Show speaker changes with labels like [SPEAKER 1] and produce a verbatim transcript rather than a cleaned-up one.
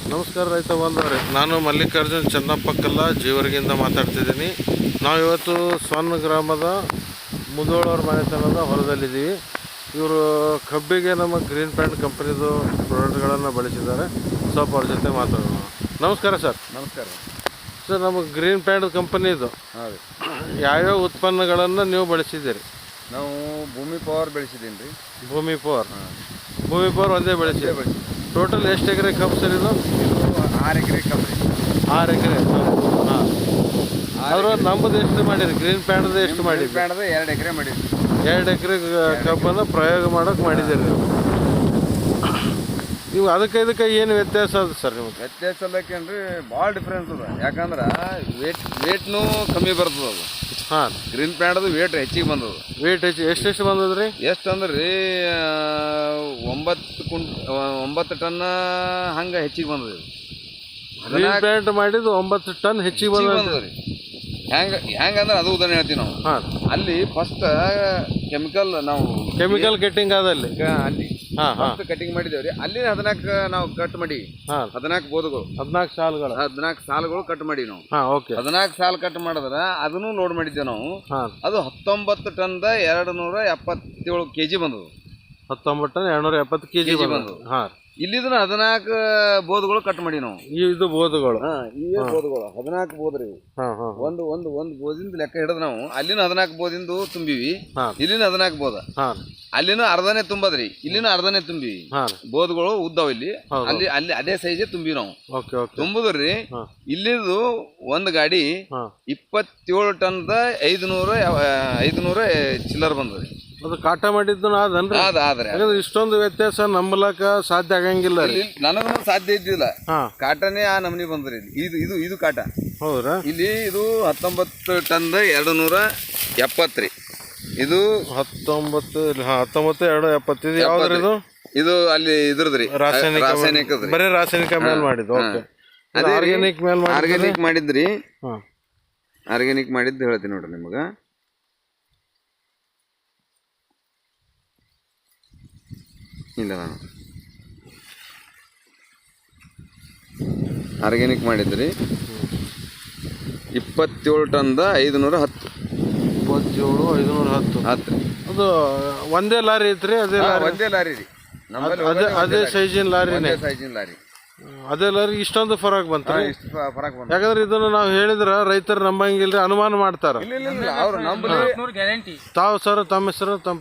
[SPEAKER 1] ನಮಸ್ಕಾರ ರೈತ ಬಂದವ್ರೆ, ನಾನು ಮಲ್ಲಿಕಾರ್ಜುನ್ ಚನ್ನಪ್ಪಕ್ಕಲ್ಲ ಜೀವರ್ಗಿಂದ ಮಾತಾಡ್ತಿದ್ದೀನಿ. ನಾವು ಇವತ್ತು ಸೊನ್ನ ಗ್ರಾಮದ ಮುದೋಳವ್ರ ಮನೆತನದ ಹೊಲದಲ್ಲಿದ್ದೀವಿ. ಇವರು ಕಬ್ಬಿಗೆ ನಮ್ಮ ಗ್ರೀನ್ ಪ್ಯಾಂಟ್ ಕಂಪನಿದು ಪ್ರಾಡಕ್ಟ್ಗಳನ್ನು ಬಳಸಿದ್ದಾರೆ. ಸ್ವಲ್ಪ ಅವ್ರ ಜೊತೆ ಮಾತಾಡೋಣ. ನಮಸ್ಕಾರ ಸರ್.
[SPEAKER 2] ನಮಸ್ಕಾರ
[SPEAKER 1] ಸರ್, ನಮ್ಮ ಗ್ರೀನ್ ಪ್ಯಾಂಟ್ ಕಂಪನಿದು
[SPEAKER 2] ಹಾಂ
[SPEAKER 1] ಯಾವ್ಯಾವ ಉತ್ಪನ್ನಗಳನ್ನು ನೀವು ಬಳಸಿದ್ದೀರಿ?
[SPEAKER 2] ನಾವು ಭೂಮಿ ಪವರ್ ಬೆಳೆಸಿದ್ದೀನಿ ರೀ.
[SPEAKER 1] ಭೂಮಿ ಪವರ್ ಭೂಮಿ ಪವರ್ ಒಂದೇ ಬೆಳೆಸಿ
[SPEAKER 2] ಬೆಳೆಸಿ
[SPEAKER 1] ಟೋಟಲ್ ಎಷ್ಟು ಎಕರೆ ಕಬ್ಬು ಸರ್ ಇದು?
[SPEAKER 2] ಆರು ಎಕರೆ ಕಬ್ಬು ರೀ.
[SPEAKER 1] ಆರು ಎಕರೆ ಹಾಂ. ಅವರು ನಮ್ಮದು ಎಷ್ಟು ಮಾಡಿರಿ? ಗ್ರೀನ್ ಪ್ಯಾಂಟ್ದು ಎಷ್ಟು ಮಾಡಿರಿ?
[SPEAKER 2] ಪ್ಯಾಂಟ್ದು ಎರಡು ಎಕರೆ ಮಾಡಿದ್ವಿ.
[SPEAKER 1] ಎರಡು ಎಕರೆ ಕಬ್ಬನ್ನು ಪ್ರಯೋಗ ಮಾಡೋಕೆ ಮಾಡಿದ್ದೀರಿ ನೀವು. ನೀವು ಅದಕ್ಕೆ ಇದಕ್ಕೆ ಏನು ವ್ಯತ್ಯಾಸ ಅದ ಸರ್ ನಿಮ್ಗೆ?
[SPEAKER 2] ವ್ಯತ್ಯಾಸ ಅಲ್ಲಕ್ಕೇನ್ರಿ ಭಾಳ ಡಿಫ್ರೆನ್ಸ್ ಅದ. ಯಾಕಂದ್ರೆ ವೇಟ್ ವೇಟ್ನೂ ಕಮ್ಮಿ ಬರ್ತದೆ ಅದು.
[SPEAKER 1] ಹಾಂ,
[SPEAKER 2] ಗ್ರೀನ್ ಪ್ಯಾಂಟ್ದು ವೇಟ್ ಹೆಚ್ಚಿಗೆ ಬಂದದ.
[SPEAKER 1] ವೇಟ್ ಹೆಚ್ಚು ಎಷ್ಟೆಷ್ಟು ಬಂದದ್ರಿ?
[SPEAKER 2] ಎಷ್ಟು ಅಂದ್ರೆ ರೀ ಒಂಬತ್ತು ಕುಂಟ್ ಒಂಬತ್ತು ಟನ್ ಹಂಗೆ ಹೆಚ್ಚಿಗೆ ಬಂದದ.
[SPEAKER 1] ಗ್ರೀನ್ ಪ್ಯಾಂಟ್ ಮಾಡಿದ್ದು ಒಂಬತ್ತು ಟನ್ ಹೆಚ್ಚಿಗೆ ಬಂದದ
[SPEAKER 2] ರೀ. ಹೆಂಗೆ ಹೆಂಗಂದ್ರೆ ಅದು ಉದಾಹರಣೆ ಹೇಳ್ತೀವಿ ನಾವು.
[SPEAKER 1] ಹಾಂ,
[SPEAKER 2] ಅಲ್ಲಿ ಫಸ್ಟ್ ಕೆಮಿಕಲ್ ನಾವು
[SPEAKER 1] ಕೆಮಿಕಲ್ ಕಟ್ಟಿಂಗ್ ಆದಲ್ಲಿ
[SPEAKER 2] ಅಲ್ಲಿ
[SPEAKER 1] ಹಾಂ ಹಾಂ
[SPEAKER 2] ಫಸ್ಟ್ ಕಟಿಂಗ್ ಮಾಡಿದ್ದೇವ್ರಿ. ಅಲ್ಲಿ ಹದಿನಾಲ್ಕು ನಾವು ಕಟ್ ಮಾಡಿ
[SPEAKER 1] ಹಾಂ
[SPEAKER 2] ಹದಿನಾಲ್ಕು ಬೋಧಗಳು
[SPEAKER 1] ಹದಿನಾಲ್ಕು ಸಾಲುಗಳು
[SPEAKER 2] ಹದಿನಾಲ್ಕು ಸಾಲುಗಳು ಕಟ್ ಮಾಡಿ ನಾವು
[SPEAKER 1] ಹಾಂ ಓಕೆ
[SPEAKER 2] ಹದಿನಾಲ್ಕು ಸಾಲು ಕಟ್ ಮಾಡಿದ್ರೆ ಅದನ್ನು ಲೋಡ್ ಮಾಡಿದ್ದೇವೆ ನಾವು.
[SPEAKER 1] ಹಾಂ,
[SPEAKER 2] ಅದು ಹತ್ತೊಂಬತ್ತು ಟನ್ದ ಎರಡು ನೂರ ಎಪ್ಪತ್ತೇಳು ಕೆ ಜಿ ಬಂದದು.
[SPEAKER 1] ಹತ್ತೊಂಬತ್ತು ಟನ್ ಎರಡ್ನೂರ ಎಪ್ಪತ್ತು ಕೆ ಜಿ ಬಂದದು. ಹಾಂ,
[SPEAKER 2] ಇಲ್ಲಿದನ್ನ ಹದಿನಾಲ್ಕು ಬೋಧಗಳು ಕಟ್ ಮಾಡಿ ನಾವು.
[SPEAKER 1] ಇದು ಬೋಧಗಳು
[SPEAKER 2] ಇವೇ ಬೋಧಗಳು ಹದಿನಾಲ್ಕು ಬೋದ್ರಿ.
[SPEAKER 1] ಹಾಂ ಹಾಂ
[SPEAKER 2] ಒಂದು ಒಂದು ಒಂದು ಬೋದಿಂದ ಲೆಕ್ಕ ಹಿಡಿದು ನಾವು ಅಲ್ಲಿನ ಹದಿನಾಲ್ಕು ಬೋದಿಂದ ತುಂಬಿವಿ.
[SPEAKER 1] ಹಾಂ
[SPEAKER 2] ಇಲ್ಲಿನ ಹದಿನಾಲ್ಕು ಬೋದ.
[SPEAKER 1] ಹಾಂ,
[SPEAKER 2] ಅಲ್ಲಿನ ಅರ್ಧನೇ ತುಂಬದ್ರಿ, ಇಲ್ಲಿನ ಅರ್ಧನೇ ತುಂಬಿವಿ.
[SPEAKER 1] ಹಾಂ
[SPEAKER 2] ಬೋದ್ಗಳು ಉದ್ದಾವ ಇಲ್ಲಿ.
[SPEAKER 1] ಹೌದು.
[SPEAKER 2] ಅಲ್ಲಿ ಅಲ್ಲಿ ಅದೇ ಸೈಜೇ ತುಂಬಿವಿ ನಾವು.
[SPEAKER 1] ಓಕೆ ಓಕೆ
[SPEAKER 2] ತುಂಬುದ್ರಿ.
[SPEAKER 1] ಹಾಂ
[SPEAKER 2] ಇಲ್ಲಿದು ಒಂದು ಗಾಡಿ
[SPEAKER 1] ಹಾಂ,
[SPEAKER 2] ಇಪ್ಪತ್ತೇಳು ಟನ್ದ ಐದುನೂರ ಐದುನೂರ ಚಿಲ್ಲರ್ ಬಂದ್ರಿ.
[SPEAKER 1] ಅದು ಕಾಟ ಮಾಡಿದ್ದು ಅದನ್ರಿ.
[SPEAKER 2] ಅದ ಆದ್ರೆ
[SPEAKER 1] ಯಾಕಂದ್ರೆ ಇಷ್ಟೊಂದು ವ್ಯತ್ಯಾಸ ನಂಬಲಕ ಸಾಧ್ಯ ಆಗಂಗಿಲ್ಲ ರೀ.
[SPEAKER 2] ನನಗೂ ಸಾಧ್ಯ ಇದ್ದಿಲ್ಲ.
[SPEAKER 1] ಹಾಂ,
[SPEAKER 2] ಕಾಟನೇ ಆ ನಮನಿ ಬಂದ್ರಿ. ಇಲ್ಲಿ ಇದು ಇದು ಇದು ಕಾಟ.
[SPEAKER 1] ಹೌದ್ರಾ?
[SPEAKER 2] ಇಲ್ಲಿ ಇದು ಹತ್ತೊಂಬತ್ತು ಟನ್ದ ಎರಡು ನೂರ ಎಪ್ಪತ್ತು ರೀ. ಇದು
[SPEAKER 1] ಹತ್ತೊಂಬತ್ತು ಹಾಂ ಹತ್ತೊಂಬತ್ತು ಎರಡು ಎಪ್ಪತ್ತಿದು ಯಾವ್ದ್ರಿ ಇದು?
[SPEAKER 2] ಇದು ಅಲ್ಲಿ ಇದ್ರದ್ರಿ
[SPEAKER 1] ರಾಸಾಯನಿಕ
[SPEAKER 2] ರಾಸಾಯನಿಕ
[SPEAKER 1] ಬರೀ ರಾಸಾಯನಿಕ ಮೇಲೆ ಮಾಡಿದ್ದು. ಓಕೆ,
[SPEAKER 2] ಅದೇ
[SPEAKER 1] ಆರ್ಗ್ಯಾನಿಕ್ ಮೇಲೆ ಮಾಡಿ.
[SPEAKER 2] ಆರ್ಗ್ಯಾನಿಕ್ ಮಾಡಿದ್ರಿ.
[SPEAKER 1] ಹಾಂ,
[SPEAKER 2] ಆರ್ಗ್ಯಾನಿಕ್ ಮಾಡಿದ್ದು ಹೇಳ್ತೀನಿ ನೋಡ್ರಿ ನಿಮ್ಗೆ. ಇಲ್ಲ, ನಾನು ಆರ್ಗ್ಯಾನಿಕ್ ಮಾಡಿದ್ರಿ ಇಪ್ಪತ್ತೇಳು ಟನ್ದ ಐದುನೂರ ಹತ್ತು
[SPEAKER 1] ಇಪ್ಪತ್ತೇಳು ಐದುನೂರ ಹತ್ತು
[SPEAKER 2] ಹತ್ತು ರೀ.
[SPEAKER 1] ಅದು ಒಂದೇ ಲಾರಿ ಐತ್ರಿ? ಅದೇ ಲಾರಿ
[SPEAKER 2] ಒಂದೇ ಲಾರಿ ರೀ. ನಮ್ಮಲ್ಲಿ
[SPEAKER 1] ಅದೇ ಅದೇ ಸೈಜಿನ ಲಾರಿನೇ?
[SPEAKER 2] ಸೈಜಿನ ಲಾರಿ.
[SPEAKER 1] ಅದೇ ಲಾರಿ ಇಷ್ಟೊಂದು ಫರಕ್ ಬಂತ?
[SPEAKER 2] ಇಷ್ಟು ಫರಕ್ ಬಂದ.
[SPEAKER 1] ಯಾಕಂದ್ರೆ ಇದನ್ನು ನಾವು ಹೇಳಿದ್ರ ರೈತರು ನಂಬಂಗಿಲ್ರಿ, ಅನುಮಾನ ಮಾಡ್ತಾರ.
[SPEAKER 2] ಇಲ್ಲ ಇಲ್ಲ ಇಲ್ಲ ಅವ್ರು ನಂಬಲಿ
[SPEAKER 1] ತಾವು ಸರ್ ತಮ್ಮ ಹೆಸರು ತಮ್ಮ